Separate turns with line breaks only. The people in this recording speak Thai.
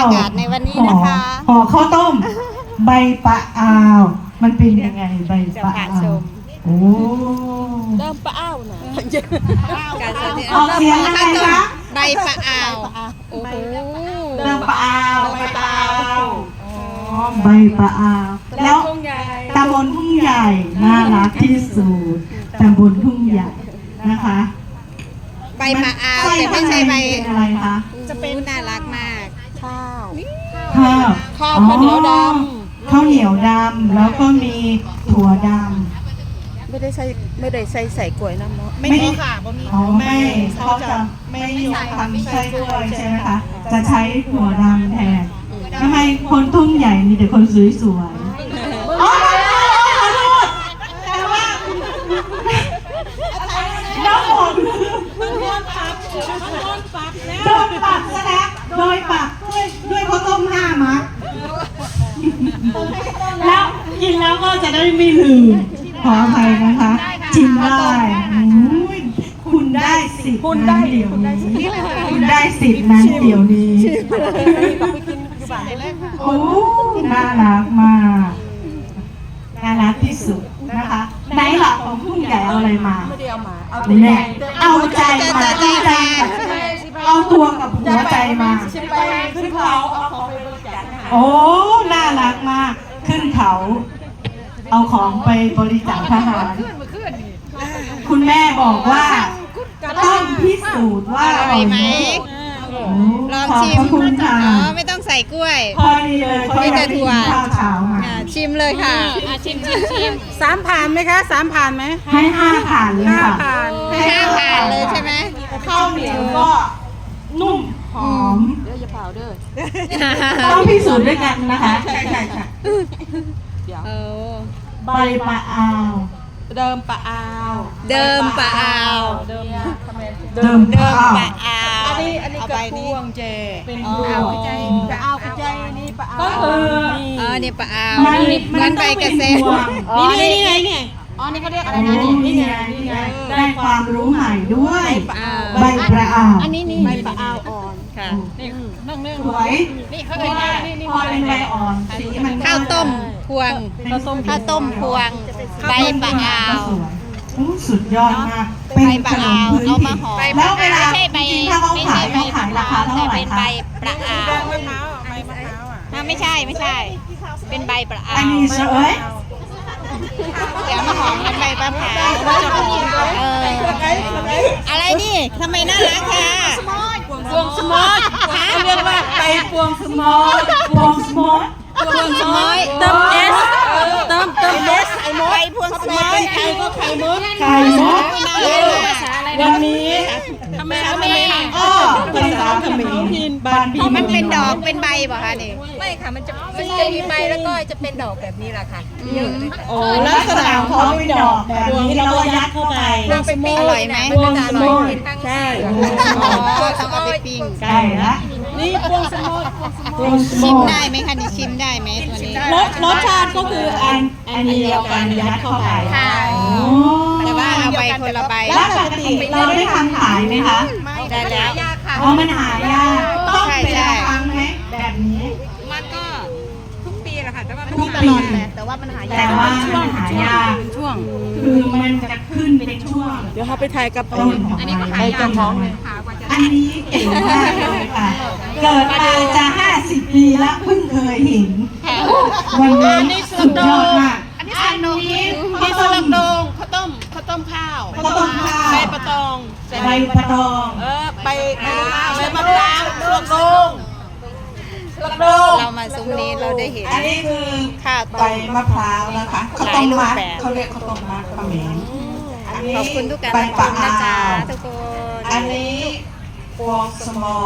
ยากาศในวันนี้นะคะ
ห่อข้าวต้มใบปะอาวมันเป็นยังไงใบปะอาวโอ้
เริ่มปะอ้าวนะ
การสาธิต
ออกเสียงอะไรคะ
ใบปะอาวโอ้โห
เดิมปะอาวใบปะอาวใบปะอาวแล้วตำบลทุ่งใหญ่น่ารักที่สุดตำบลทุ่งใหญ่นะคะ
ใบปะอาวแต่ไม่ใช่ใบ
อะไรคะ
จะเป็นน่ารักมาก
ข้าว
ข้าว
ข้าวเหนียวดำ
ข้าวเหนียวดำแล้วก็มีถั่วดำ
ไม่ได้ใส่กล้วยน้ำเนาะ
ไม่ค่ะอ๋อไม่เขาจะไม่นิยมทำไส้กล้วยใช่ไหมคะจะใช้ถั่วดำแทนทำไมคนทุ่งใหญ่มีแต่คนสวยๆอ๋อขอโทษแต่ว่าน้องผมโดนปรับซะแล้วโดยปรับด้วยข้าวต้ม5 มัดแล้วกินแล้วก็จะได้ไม่ลืมขออภัยนะคะชิมได้คุณได้สิทธิ์นั้นเดี๋ยวนี้คุณได้สิทธิ์นั้นเดี๋ยวนี้โอ้น่ารักมากน่ารักที่สุดนะคะไหนหลักของผู้ใหญ่เอาอะไรมาเนี่ยเอาใจมาเอาตัวกับหัวใจมาขึ้นเขาเอาของไปบริจาคโอ้น่ารักมากขึ้นเขาเอาของไปบริจาคทหารคุณแม่บอกว่าต้องพิสูจน์ว่าอร่อยไหม
ลองชิมอ๋อไม่ต้องใส่กล้วย
พอดีเลยเขาอยากกินข้าวเช้ามา
ชิมเลยค่ะชิม
3 ผ่านไหมคะ3 ผ่านไหม
ให้5 ผ่านเลยค่ะ
5 ผ่านเลยใช่ไหม
ข้าวเหนียวก็นุ่มหอม
เดี๋ยวอย่าเผาเด้อ
ต้องพิสูจน์ด้วยกันนะคะใช่ค่ะใบปะอาว
เดิมปะอาว
เดิมปะอาว
อันนี้กระพวงเจเป็นปะอาวกระจายนี่ปะอาว
ก็คือนี่ปะอาวมันใบกระเซ็น
นี่ไงเนี่ยอ๋อนี่เขาเรียกอะไรนะ
นี่ไงได้ความรู้ใหม่ด้วยใบปะอาว
อันนี้ใบปะอาวอ่อน
ค่ะนี่
นั่ง
สวย
นี่เขาเรียก
นี่พอเป็นใบอ่อนสีมัน
ข้าวต้มพวงข้าวต้มพวงใบปะอาว
สุดยอดมาก
ใบปะอาวเอามาห่อ
แล้วเวลา
ไม่ใช่ใบ
ถ้าเขาขายเขาขายราคาเท่าไหร่
เป็นใบปะอาวไม่ใช่เป็นใบปะอาว
อันนี้เฉย
เดี๋ยวมาหอมเป็นใบปะพร้าวอะไรนี่ทำไมน่ารักค่ะ
พวงสมอดเรียกว่าใบพวงสมอด
พวงสมอย
เติมเอสไข่มด
ใบพวงสมอย
ไข่ก็ไข่มด
วันนี้
ทำไม
ภาษาเขมรบ้านพี่
มันเป็นดอกเป็นใบป่ะคะนี่
ไม่ค่ะมันจะมีใบแล้วก็จะเป็นดอกแบบนี้แหละค่ะเยอะเลยค่ะ
โอ้ลักษณะของเขาเป็นดอกแบบนี้เราก็ยัดเข้าไป
อร่อยไหม
พวงสมอด
ใช่
ต้องเอาไปปิ้ง
ใช่ละ
นี่พวงสมอด
ชิมได้ไหมคะนี่ชิมได้ไหมตัวนี้
รสชาติก็คืออันเดียวกันยัดเข้าไป
แต่ว่าเอาใบคนละใบ
แล้วปกติเราได้ทำขายไหมคะ
ได้แล้ว
อ๋อมันหายากต้องเป็นครั้งไหมแบบนี้
มันก็ทุกปีแหละค่ะแต่ว่า
ทุกปี
แต่ว่ามันหายาก
แต่ว่ามันหายาก
ช่วง
คือมันจะขึ้นเป็นช่วง
เดี๋ยวเขาไปถ่ายกับ
ต้นของมันไปจนท้องเลยอันนี้เก่งมากเลยค่ะเกิดมาจะ50 ปีแล้วเพิ่งเคยเห็นวันนี้สุดยอดมากอันนี้
ข้าวต้มข้าวใบปะตอง
ใบปะตอง
ใบมะพร้าวลูกโป่ง
เรามาซุ้มนี้เราได้เห็น
อันนี้คือ
ข้าว
ใบมะพร้าวนะคะข้าวต้มมัดเขาเรียกข้าวต้มมัดเขมร
ขอบคุณทุกการรับชมนะจ๊ะทุกคน
อันนี้พวงสมอ